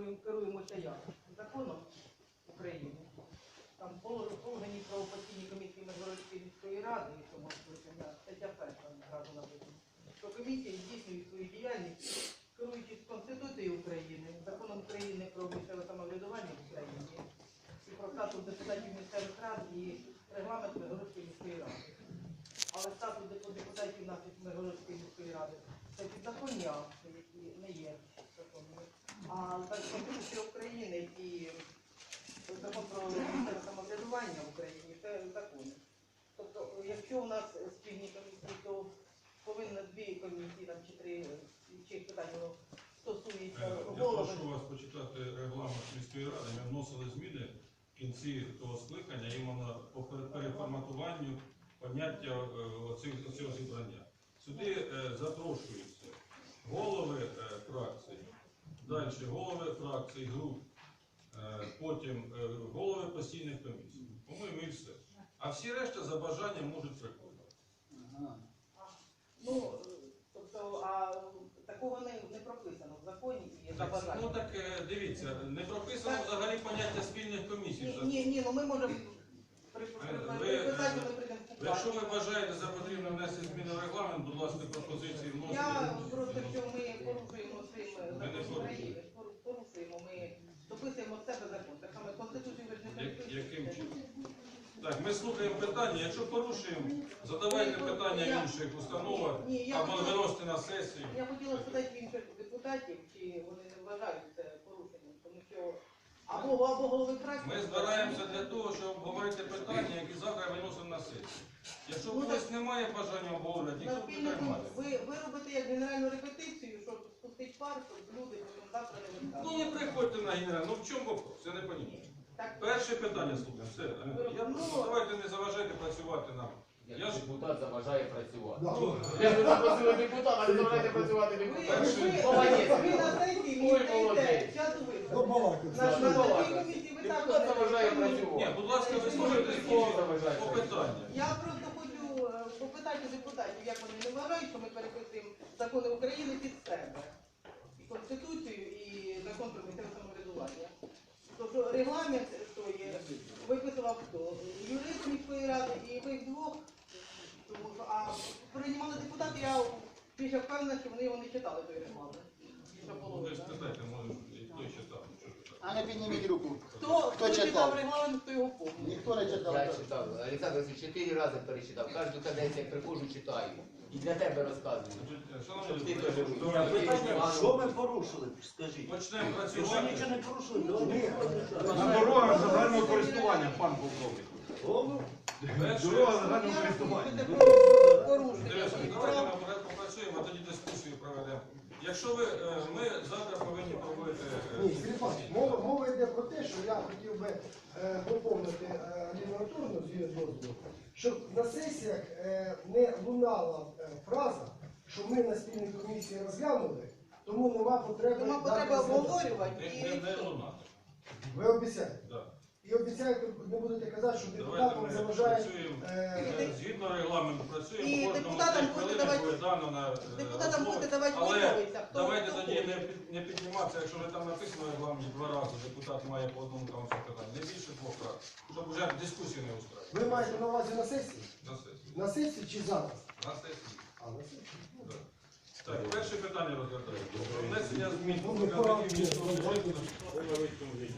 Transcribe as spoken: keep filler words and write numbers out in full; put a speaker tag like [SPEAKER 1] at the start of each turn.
[SPEAKER 1] керуємо, керуємося як? Законом України. Там положені правопостійні комісії Миргородської міської ради, і тому стаття перша зразу написано, що комісії здійснюють свою діяльність, керуючись Конституцією України, законом України про місцеве самоврядування в Україні, і про статус депутатів місцевих рад і регламент Миргородської міської ради. Але статус депутатів нашої Миргородської міської ради це підзаконні акти, які не є законними. А Конституція України і закон про місцеве самоврядування в Україні це закони. Тобто, якщо у нас спільні комісії, то повинно дві комісії там, чи три чих питань стосується голови.
[SPEAKER 2] Я прошу вас почитати регламент міської ради. Ми вносили зміни в кінці того скликання іменно по переформатуванню поняття цього зібрання. Сюди е, запрошуються голови е, фракцій, далі голови фракцій, груп, е, потім е, голови постійних комісій. По-моєму, і все. А всі решта за бажанням можуть приходити.
[SPEAKER 1] Ага. Ну, тобто, а такого не, не прописано в законі і за бажанням.
[SPEAKER 2] Ну так, е, дивіться, не прописано
[SPEAKER 1] так.
[SPEAKER 2] Взагалі поняття спільних комісій.
[SPEAKER 1] Ні, ні, ні, ну ми можемо приписати, ми прийдемо в
[SPEAKER 2] Якщо ви вважаєте за потрібно внести зміни в регламент, будь ласка, пропозиції вносите.
[SPEAKER 1] Я просто, що ми порушуємо цим закон України, порушуємо, ми дописуємо з себе закон. Так само Конституцію ви ж не
[SPEAKER 2] Як-
[SPEAKER 1] переписуєте.
[SPEAKER 2] Яким чином? Так, ми слухаємо питання. Якщо порушуємо, задавайте питання інших установах
[SPEAKER 1] Ні, я
[SPEAKER 2] або
[SPEAKER 1] хотіла-
[SPEAKER 2] виносите на сесію.
[SPEAKER 1] Я хотіла спитати в інших депутатів, чи вони не вважають це порушенням, тому що або, або голови фракції...
[SPEAKER 2] Ми збираємося для того, щоб обговорити питання, які завтра виносимо на сесію. Якщо у когось немає бажання обговорювати,
[SPEAKER 1] На
[SPEAKER 2] ніхто
[SPEAKER 1] спільнику
[SPEAKER 2] підтримає.
[SPEAKER 1] ви, ви робите як генеральну репетицію, щоб спустити пар, щоб люди потім завтра не
[SPEAKER 2] Ну
[SPEAKER 1] виставили.
[SPEAKER 2] не приходьте на генерал. Ну в чому вопрос? Я не розумію.
[SPEAKER 1] Так,
[SPEAKER 2] Перше питання слухаємо. Все. Я просто давайте не заважайте працювати нам.
[SPEAKER 3] Як
[SPEAKER 2] Я ж-
[SPEAKER 3] депутат заважає працювати.
[SPEAKER 2] Ну,
[SPEAKER 3] Я не запросили депутата, але заважайте працювати
[SPEAKER 1] ви, ви,
[SPEAKER 3] депутат.
[SPEAKER 1] ви,
[SPEAKER 3] Молодець.
[SPEAKER 1] ви на сесії мені
[SPEAKER 3] Ой,
[SPEAKER 1] даєте
[SPEAKER 3] молодець.
[SPEAKER 1] час
[SPEAKER 4] Ну,
[SPEAKER 1] виступу.
[SPEAKER 4] балакай.
[SPEAKER 1] На, на,
[SPEAKER 3] Ну,
[SPEAKER 1] на
[SPEAKER 3] балакай.
[SPEAKER 1] такій комісії ви
[SPEAKER 3] Депутат
[SPEAKER 1] також не
[SPEAKER 3] заважає
[SPEAKER 1] розумієте.
[SPEAKER 2] Ні,
[SPEAKER 3] працювати.
[SPEAKER 2] будь ласка, ви слухайте
[SPEAKER 3] Хто заважає
[SPEAKER 2] по
[SPEAKER 3] працювати?
[SPEAKER 2] питанню.
[SPEAKER 1] Я просто хочу е, попитати депутатів, як вони не вважають, що ми переписуємо закони України під себе. І Конституцію, і закон про місцеве самоврядування. Тобто регламент той виписував хто? Юрист міської ради і ви двох. Тому що, а приймали депутати, я більше впевнена, що вони його не читали той регламент. Що було.
[SPEAKER 2] Ви ж спитайте, може, хто читав.
[SPEAKER 5] А не підніміть руку.
[SPEAKER 1] Хто,
[SPEAKER 5] Хто
[SPEAKER 1] хто читав
[SPEAKER 5] читав?
[SPEAKER 1] регламент, хто його помнить.
[SPEAKER 5] Ніхто не читав.
[SPEAKER 3] Я читав. Олександр Васильович, чотири рази перечитав. Кожну каденцію, як приходжу, читаю. І для тебе розказую.
[SPEAKER 2] Шановні
[SPEAKER 3] Ти
[SPEAKER 2] депутати,
[SPEAKER 3] кажи,
[SPEAKER 2] давайте
[SPEAKER 6] Питання, що ми порушили, скажіть?
[SPEAKER 2] почнемо
[SPEAKER 6] Якщо
[SPEAKER 2] працювати.
[SPEAKER 6] нічого не порушили, давайте.
[SPEAKER 7] На дорогах загального користування, пан полковник.
[SPEAKER 6] О,
[SPEAKER 2] Перше,
[SPEAKER 7] Дорога загального користування.
[SPEAKER 1] Порушення.
[SPEAKER 2] Дивіться, давайте ми порядку попрацюємо, а тоді дискусію проведемо. Якщо ви, е, ми завтра повинні проводити... е,
[SPEAKER 4] Ні, Сергій Павлович, мова, мова йде про те, що я хотів би е, доповнити е, літературну з дозволу, щоб на сесіях е, не лунала е, фраза, що ми на спільній комісії розглянули, тому нема потреби...
[SPEAKER 1] Нема
[SPEAKER 4] дати
[SPEAKER 1] потреби
[SPEAKER 4] розглядати.
[SPEAKER 1] обговорювати.
[SPEAKER 2] Не, не, не лунати.
[SPEAKER 4] Ви обіцяєте.
[SPEAKER 2] Да.
[SPEAKER 4] І обіцяєте, не будете казати, що
[SPEAKER 2] Давайте
[SPEAKER 4] депутатам
[SPEAKER 2] ми
[SPEAKER 4] заважає...
[SPEAKER 2] працюємо,
[SPEAKER 4] е,
[SPEAKER 2] е, згідно регламенту
[SPEAKER 1] І
[SPEAKER 2] працюємо, кожному
[SPEAKER 1] депутатам
[SPEAKER 2] п'ять
[SPEAKER 1] будете
[SPEAKER 2] хвилин
[SPEAKER 1] давати-
[SPEAKER 2] буде дано на е,
[SPEAKER 1] Депутатам
[SPEAKER 2] розмови.
[SPEAKER 1] будете давати
[SPEAKER 2] Але
[SPEAKER 1] висловитися. Хто-
[SPEAKER 2] давайте
[SPEAKER 1] хто
[SPEAKER 2] тоді
[SPEAKER 1] хоче.
[SPEAKER 2] не, під- не підніматися, якщо вже там написано в регламенті два рази, депутат має по одному там все питання. Не більше двох разів, щоб вже дискусію не устроїти.
[SPEAKER 4] ви маєте на увазі на сесії?
[SPEAKER 2] На сесії.
[SPEAKER 4] На сесії чи зараз?
[SPEAKER 2] На сесії.
[SPEAKER 4] А, на сесії.
[SPEAKER 2] Да. Так, перше питання розглядаємо. Про внесення змін
[SPEAKER 4] Ну,
[SPEAKER 2] до
[SPEAKER 4] не
[SPEAKER 2] показників
[SPEAKER 4] правда.
[SPEAKER 2] міського бюджету.